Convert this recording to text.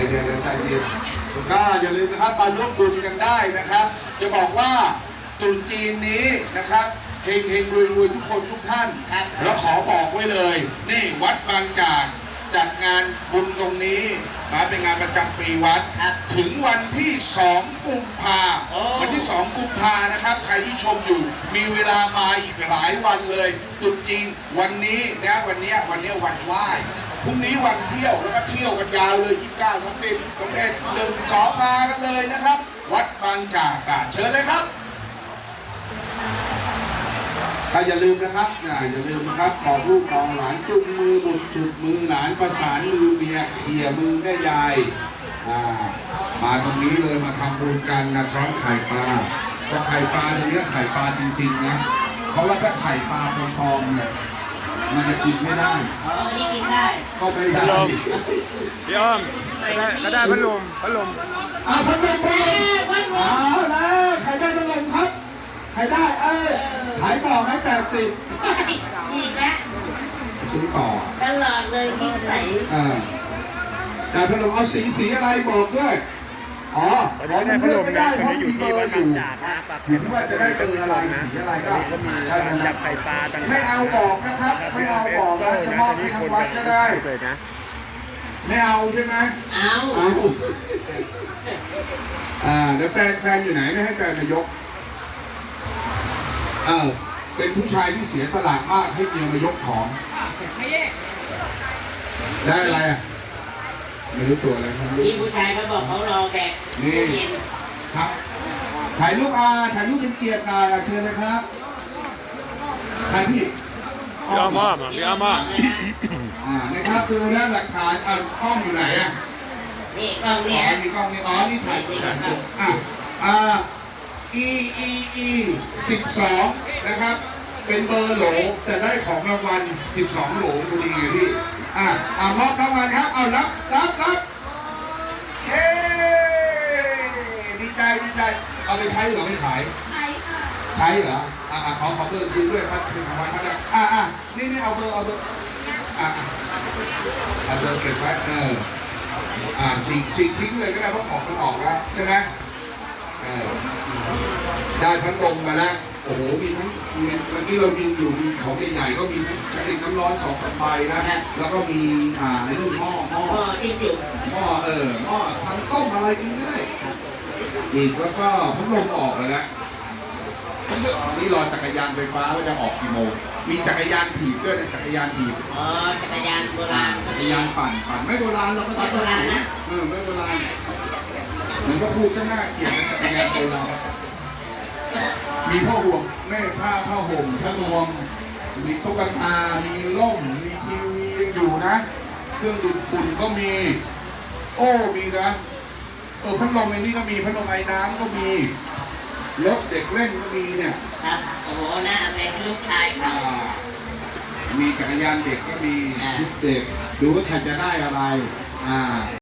ใจเย็นก็อย่าลืมนะครับมาร่วมบุญกันได้นะครับ จะบอกว่าตรุษจีนนี้นะครับเฮงรวยทุกคนทุกท่านแล้วขอบอกไว้เลยนี่วัดบางจากจัดงานบุญตรงนี้เป็นงานประจำปีวัดถึงวันที่2 กุมภาวันที่2 กุมภานะครับใครที่ชมอยู่มีเวลามาอีกหลายวันเลยตรุษจีนวันนี้นะวันนี้วันไหว้พรุ่งนี้วันเที่ยวแล้วก็เที่ยวกันยาวเลย29 30 31 1 2มากันเลยนะครับวัดบางจากเชิญเลยครับอย่าลืมนะครับอย่าลืมนะครับขอลูกของหลานจุงมือบุตรจุดมือหลานประสานมือเมียเขี่ยมือแม่ยายมาตรงนี้เลยมาทำบุญกันนะช้อนไข่ปลาก็ไข่ปลาตรงนี้ไข่ปลาจริงๆนะเพราะว่าถ้าไข่ปลาปลอมๆเนี่ยมันจะกินไม่ได้นี่กินได้ก็ไม่ได้พี่อ้อมก็ได้พัดลมพัดลมเอาแล้วใครได้พัดลมครับใครได้ขายต่อไหม80 อีกแล้วซื้อต่อตลอดเลยนิสัยแต่พัดลมเอาสีอะไรบอกด้วยมันเลือกไม่ได้เพราะมีเบอร์อยู่ถึงว่าจะได้เบอร์อะไรสีอะไรก็จับไข่ปลาไม่เอาบอกนะครับไม่เอาบอกนะจะมอบให้ทางวัดก็ได้ไม่เอาใช่ไหมเอาเดี๋ยวแฟนอยู่ไหนไม่ให้แฟนมายกเป็นผู้ชายที่เสียสละมากให้เมียมายกของได้อะไรไม่รู้ตัวอะไรครับนี่ผู้ชายเขาบอกเขารอแกนี่ครับถ่ายรูปถ่ายรูปเป็นเกียรติเชิญนะครับถ่ายพี่อ้อมพี่อ้อมนะครับดูแล้วหลักฐานกล้องอยู่ไหนนี่กล้องนี้มีกล้องนี่นี่ถ่ายEEE 12นะครับเป็นเบอร์โหลแต่ได้ของรางวัล12โหลพอดีอยู่ที่มอบรางวัลครับเอารับเฮ้ดีใจเอาไปใช้หรือไม่ขายใช้ค่ะใช้เหรอขอเบอร์คืนด้วยครับเป็นของวัดครับนี่เอาเบอร์เอาเบอร์เก็บไว้ฉีกทิ้งเลยก็ได้เพราะของมันออกแล้วใช่ไหมได้พัดลมมาแล้วโอ้โหมีทั้งเมื่อกี้เรายืนอยู่มีของใหญ่ๆก็มีกระติกน้ำร้อน2 ใบนะแล้วก็มีในรุ่นหม้อที่จุดหม้อทำต้มอะไรกินก็ได้อีกแล้วก็พัดลมออกเลยนะนี่รอจักรยานไฟฟ้าว่าจะออกกี่โมงมีจักรยานถีบด้วยนะจักรยานถีบจักรยานโบราณจักรยานปั่นไม่โบราณเราก็โบราณนะไม่โบราณเหมือนก็พูดซะน่าเกลียดเป็นจักรยานโบราณมีผ้าห่มผ้าห่มผ้านวมมีตุ๊กตามีร่มมีทีวียังอยู่นะเครื่องดูดฝุ่นก็มีมีนะพัดลมในนี้ก็มีพัดลมไอ้น้ำก็มีรถเด็กเล่นก็มีเนี่ยครับโอ้โหน่าเป็นลูกชายเขามีจักรยานเด็กก็มีชุดเด็กดูว่าใครจะได้อะไร